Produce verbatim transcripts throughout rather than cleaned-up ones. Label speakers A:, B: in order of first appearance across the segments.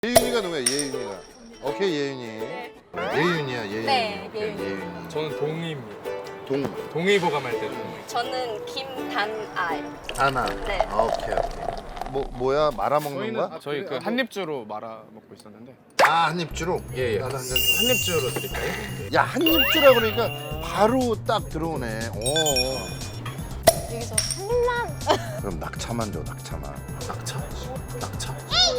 A: 예윤이가 누구야? 예윤이가. 오케이 예윤이.
B: 네.
A: 예윤이야 예윤이.
B: 네,
A: 오케이,
B: 예윤이.
A: 예윤이.
C: 저는 동의입니다.
A: 동
C: 동의보감할 때 동의.
B: 저는 김단아요.
A: 하나.
B: 네.
A: 아, 오케이 오케이. 뭐 뭐야 말아 먹는 거야?
C: 저희 그 한입주로 말아 먹고 있었는데.
A: 아 한입주로.
C: 예, 예.
A: 나도 한 잔. 줘.
C: 한입주로 드릴까요?
A: 야 한입주라 그러니까 바로 딱 들어오네. 오.
B: 여기서 한 입만.
A: 그럼 낙차만 줘 낙차만.
C: 낙차? 낙차?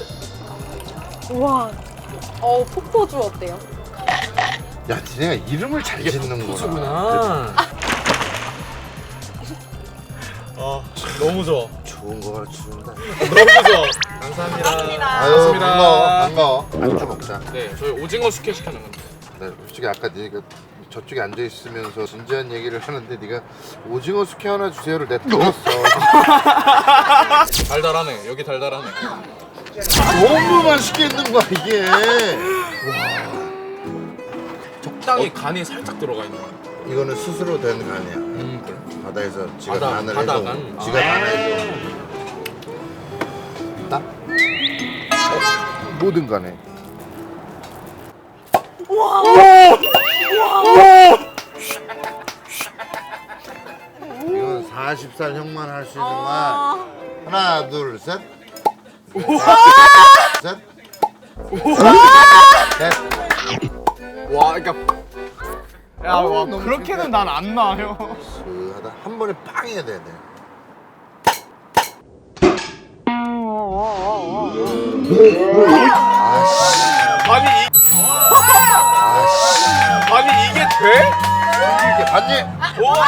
B: 우와. 어 폭포주 어때요?
A: 야 니네가 이름을 잘 짓는구나.
C: 포즈구나. 아 너무 좋아.
A: 좋은 거 가르쳐준다.
C: 너무 좋아. 감사합니다.
B: 감사합니다.
A: 아유
C: 고맙습니다.
A: 반가워 반가워. 안주 먹자.
C: 네, 저희 오징어 숙회 시켜놓은 건데.
A: 나 솔직히 아까 네가 저쪽에 앉아 있으면서 진지한 얘기를 하는데 네가 오징어 숙회 하나 주세요를 내가 들었어.
C: 달달하네. 여기 달달하네.
A: 너무 맛있게 있는 거야 이게.
C: 적당히 간이 살짝 들어가 있는 거.
A: 이거는 스스로 된 간이야.
C: 음, 그래.
A: 바다에서 지가
C: 바다,
A: 간을
C: 바다
A: 해서
C: 간?
A: 지가
C: 아.
A: 간을 해서 나? 어? 모든 간에. 이건 마흔 살 형만 할 수 있는 말. 하나 둘 셋. 셋. 셋.
C: 와, 그러니까 야, 와, 그렇게는 난 안 나요.
A: 하다 한 번에 빵 해야 돼. 돼. 아씨.
C: 아니, 이,
A: 아씨.
C: 아니 이게 돼?
A: 이게 봤니?
C: 와!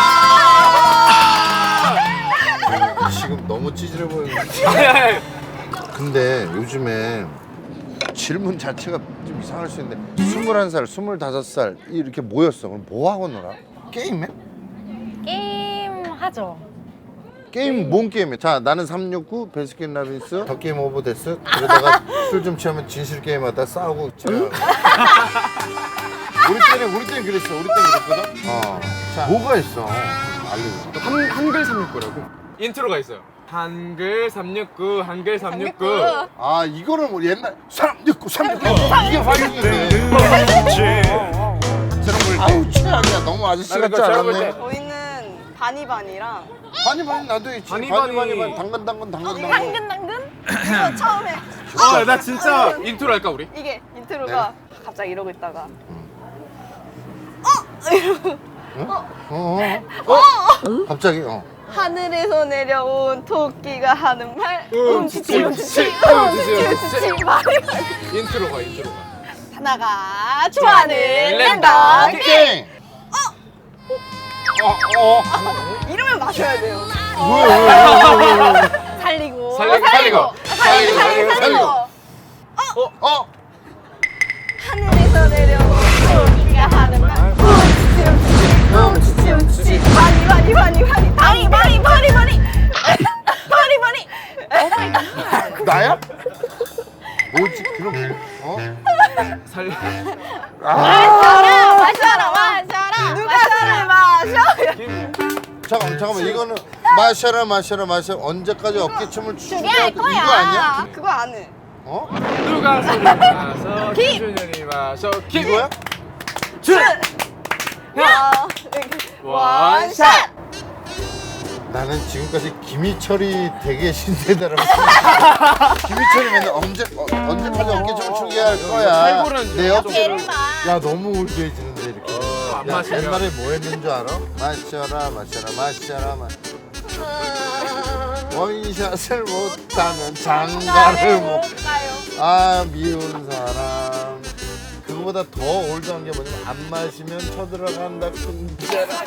A: 지금 너무 찌질해 보이는데.
C: 아니, 아니.
A: 근데 요즘에 질문 자체가 좀 이상할 수 있는데 스물한 살, 스물다섯 살 이렇게 모였어. 그럼 뭐 하고 놀아? 게임해?
B: 게임 하죠.
A: 게임 뭔 게임해? 자 나는 삼육구 베스킨 라빈스 더 게임 오브 데스 그러다가 술 좀 취하면 진실 게임 하다 싸우고 집에 가고. 우리 때는 우리 때는 그랬어. 우리 때는 그랬거든. 어. 자 뭐가 있어? 알려줘.
C: 한 한글 삼육구라고 인트로가 있어요. 한글 삼육구, 한글 삼육구.
A: 아 이거는 뭐 옛날 삼육구 삼육구 이게 화용인데. 아우 최악이야. 너무 아저씨
C: 아니,
A: 같지
C: 그거 제가 볼
A: 않았네.
C: 때-
B: 저희는 바니바니랑
A: 바니 바니 나도 있지. 바니
C: 바니
A: 바니
C: 바니.
A: 바니 당근 당근 당근 당근.
B: 당근 당근? 이거 처음에
C: 아, 나 진짜 인트로 할까 우리?
B: 이게 인트로가
A: 네.
B: 갑자기 이러고 있다가
A: 어? 어? 어? 어? 갑자기 어.
B: 하늘에서 내려온 토끼가 하는 말
C: 움치치,
B: 움치치
C: 움치치,
B: 움치치
C: 움치치,
B: 움치치 말이 많이
C: 인트로가 인트로가.
B: 하나가 좋아하는 랜덤 게임
A: 게임. 어? 어?
B: 이러면 마셔야 돼요
A: 왜, 왜, 왜, 왜, 왜.
B: 살리고
C: 살리고,
B: 살리고 살리고 살리고 살리고
A: 어? 어?
B: 하늘에서 내려온 토끼가 하는 말 움치치 움치치 움치치 움치치 많이 많이 많이 많이 많이 많이 많이 많이 많이 많이 오마이갓
A: 나야? 뭐지? 그럼 어?
C: 살.
B: 마셔라 마셔라 마셔라 누가 술을 마셔
A: 잠깐만 잠깐만 이거는 마셔라 마셔라 마셔 언제까지 어깨춤을 추게
B: 그게 할
A: 이거
B: 거야
A: 아니야?
B: 그거 안 해.
A: 어?
C: 누가 술을 마셔?
B: 김!
C: 김준현이 마셔. 김!
A: 이거야?
B: 야 원샷
A: 나는 지금까지 김희철이 되게 신세대라고 김희철이 맨날 언제 어, 언제까지 어깨춤을 추게 할 거야
C: 살벌한
A: 내 옆에
B: 얘를 마
A: 야 너무 울드해지는데 이렇게
C: 어, 안
A: 야,
C: 마시면.
A: 옛날에 뭐 했는 줄 알아? 마셔라 마셔라 마셔라 마 원샷을 못하면 장가를 못
B: 가요
A: 아 미운 사람 그거보다 더 올드한 게 뭐냐면 안 마시면 쳐들어간다 kun자라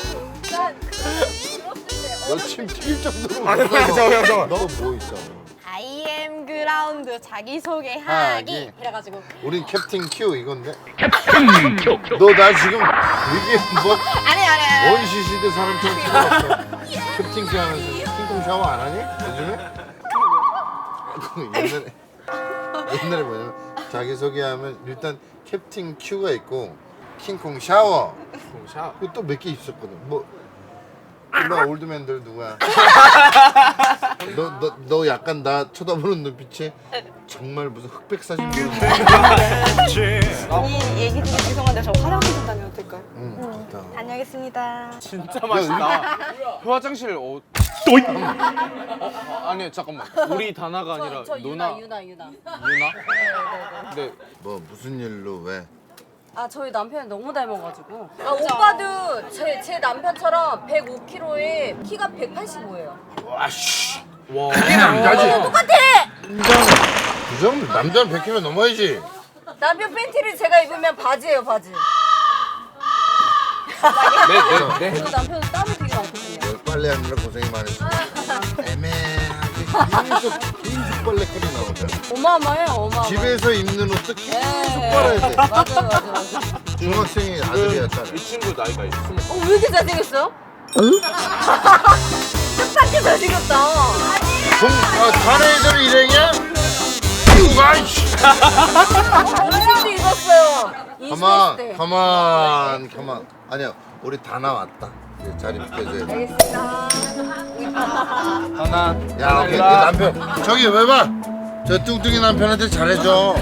A: 너 침 튀길 정도로
C: 아니,
A: 울었어.
C: 저기요, 저기요.
A: 너 뭐 있어?
B: I am 그라운드 자기소개하기
A: 하기.
B: 이래가지고
A: 우린 캡틴 Q 이건데 너 나 지금 되게 뭐
B: 아니 아니
A: 원시 시대 사람처럼 찍어봤어 캡틴 Q 하면서 킹콩 샤워 안 하니? 요즘에? 옛날에 옛날에 뭐냐면 자기소개하면 일단 캡틴 Q가 있고 킹콩 샤워
C: 샤.
A: 그리고 또 몇 개 있었거든 뭐 일로 와, 올드맨들 누구야? 너, 너, 너 약간 나 쳐다보는 눈빛이 정말 무슨 흑백 사진 보는
B: 이 얘기 중에 죄송한데 저 화장실 좀 다녀도 될까요?
A: 응, 좋다.
B: 다녀오겠습니다.
C: 진짜 맛있다. 화장실 어. 어? 아니 잠깐만. 우리 다나가 아니라
B: 저
C: 누나.
B: 유나 유나 유나.
C: 유나? 근데
A: 뭐 무슨 일로 왜?
B: 아 저희 남편이 너무 닮아가지고. 아 오빠도 제, 제 남편처럼 백오 킬로그램에 키가 백팔십오예요.
A: 와씨.
C: 와.
A: 이게 남자지.
B: 똑같아.
A: 그 정도 남자는 백 킬로그램 넘어야지.
B: 남편 팬티를 제가 입으면 바지예요 바지.
C: 네, 네, 네.
B: 저 남편은 땀이 되게 많거든요.
A: 열 빨래하느라 고생이 많으시고 애매하게 계속 계속 빨래거리 나오잖아.
B: 어마어마해요 어마어마.
A: 집에서 입는 옷도 계속
B: 네.
A: 빨아야 돼.
B: 맞아요 맞아요 맞아요.
A: 중학생이 아들이야 딸.
C: 이 친구 나이가 스무.
B: 어, 왜 이렇게 잘생겼어요? 응? 뜻밖의 잘생겼다.
A: 동, 아, 자네 애들 일행이야? 아이씨.
B: 언제도 입었어요.
A: 가만,
B: 이십 대.
A: 가만, 가만. 아니야, 우리 다 나왔다. 이제 자리 비켜줘야 돼.
B: 알겠습니다.
C: 하나.
A: 야, 오케이, 네 남편. 저기 왜 봐? 저 뚱뚱이 남편한테 잘해줘.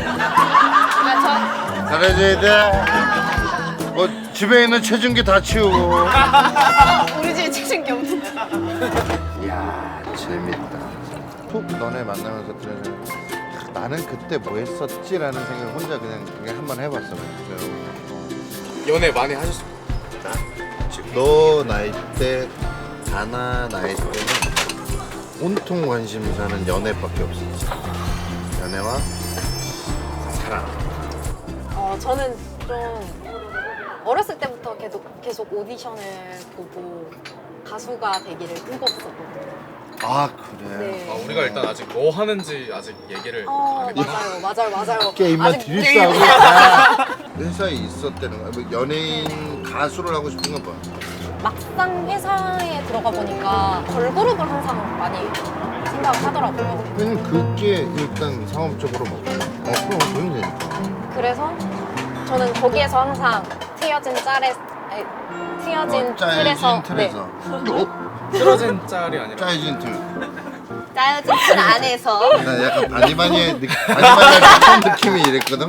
A: 잘해줘야 돼. 뭐 집에 있는 체중계 다 치우고.
B: 우리 집에 최신 게 없는데.
A: 이야, 재밌다. 툭 너네 만나면서 그래. 나는 그때 뭐 했었지라는 생각을 혼자 그냥, 그냥 한번 해봤어. 그냥.
C: 연애 많이 하셨어요?
A: 지금 너 나이 때, 다나 나이 때는 온통 관심사는 연애밖에 없었지. 연애와 사랑.
B: 어 저는 좀 어렸을 때부터 계속 계속 오디션을 보고 가수가 되기를 꿈꿨었거든요.
A: 아 그래.
B: 네.
C: 아 우리가 일단 아직 뭐 하는지 아직 얘기를
B: 어
C: 안 했-
B: 맞아요 맞아요 맞아요.
A: 게임만
B: 아직
A: 들이싸고 다 회사에 있었다는 거야. 뭐 연예인 가수를 하고 싶은 건 봐.
B: 막상 회사에 들어가 보니까 걸그룹을 항상 많이 생각을 하더라고요.
A: 왜냐면 그게 일단 상업적으로 먹고. 어 그럼 그러면 되니까.
B: 그래서 저는 거기에서 항상 트여진 짤에 아니, 트여진
A: 어, 짜여진
B: 틀에서
A: 틀에서. 어?
C: 틀어진 짤이 아니라
A: 짜여진 틀.
B: 짜여진 틀 안에서
A: 나 약간 바니바니의 느낌, 바니바니의 같은 느낌이 이랬거든.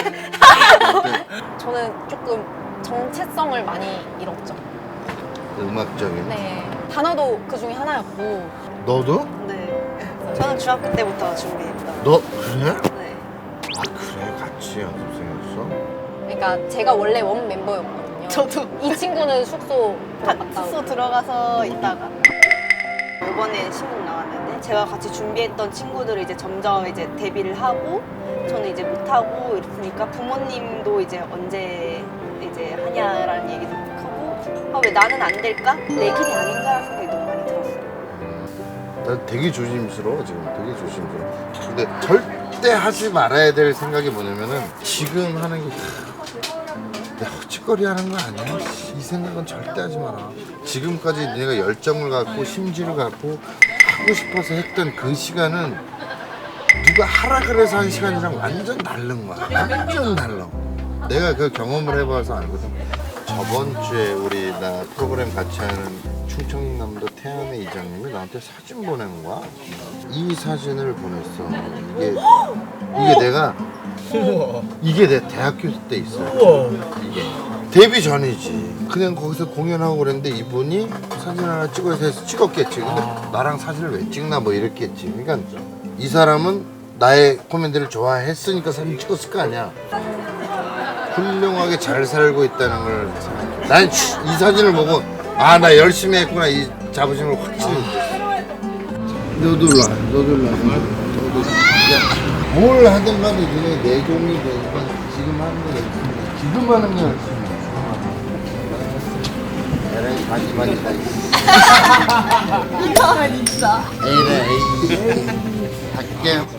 B: 저는 조금 정체성을 많이 잃었죠.
A: 음악적인.
B: 네. 단어도 그 중에 하나였고.
A: 너도?
B: 네. 저는 중학교 때부터 준비했던.
A: 너 그래?
B: 네.
A: 아 그래 같이 연습생이었어?
B: 그러니까 제가 원래 원 멤버였거든요. 저도. 이 친구는 숙소 들어갔다.
D: 숙소 들어가서 있다가 이번에 신곡 나왔는데 제가 같이 준비했던 친구들이 이제 점점 이제 데뷔를 하고 저는 이제 못 하고 이랬으니까 부모님도 이제 언제 이제 하냐라는 얘기도 하고 아, 왜 나는 안 될까? 내 길이 아닌가라는 생각이 너무 많이 들었어요.
A: 나 되게 조심스러워 지금 되게 조심스러워. 근데 절대 하지 말아야 될 생각이 뭐냐면은 지금 하는 게 내가 헛짓거리 하는 거 아니야? 이 생각은 절대 하지 마라. 지금까지 내가 열정을 갖고 심지를 갖고 하고 싶어서 했던 그 시간은 누가 하라 그래서 한 시간이랑 완전 다른 거야. 완전 달라. 내가 그 경험을 해봐서 알거든. 저번 주에 우리 나 프로그램 같이 하는 충청남도 태안의 이장님이 나한테 사진 보낸 거야. 이 사진을 보냈어. 이게 이게 내가 이게 내 대학교 때 있어. 이게 데뷔 전이지. 그냥 거기서 공연하고 그랬는데 이분이 사진 하나 찍어서 해서 찍었겠지. 근데 나랑 사진을 왜 찍나 뭐 이랬겠지. 그러니까 이 사람은 나의 코멘트를 좋아했으니까 사진 찍었을 거 아니야. 훌륭하게 잘 살고 있다는 걸 생각해. 난 이 사진을 보고 아 나 열심히 했구나 이 자부심을 확실히 느꼈어. 너도 일로 와. 너도 일로 와. 너도 야, 뭘 하든 간에 니네 내공이 되니까 지금 하는 게 열심히 지금 하는 게 열심히 에라이 바지바지다
D: 이거는 진짜
A: 에이래 에이 갈게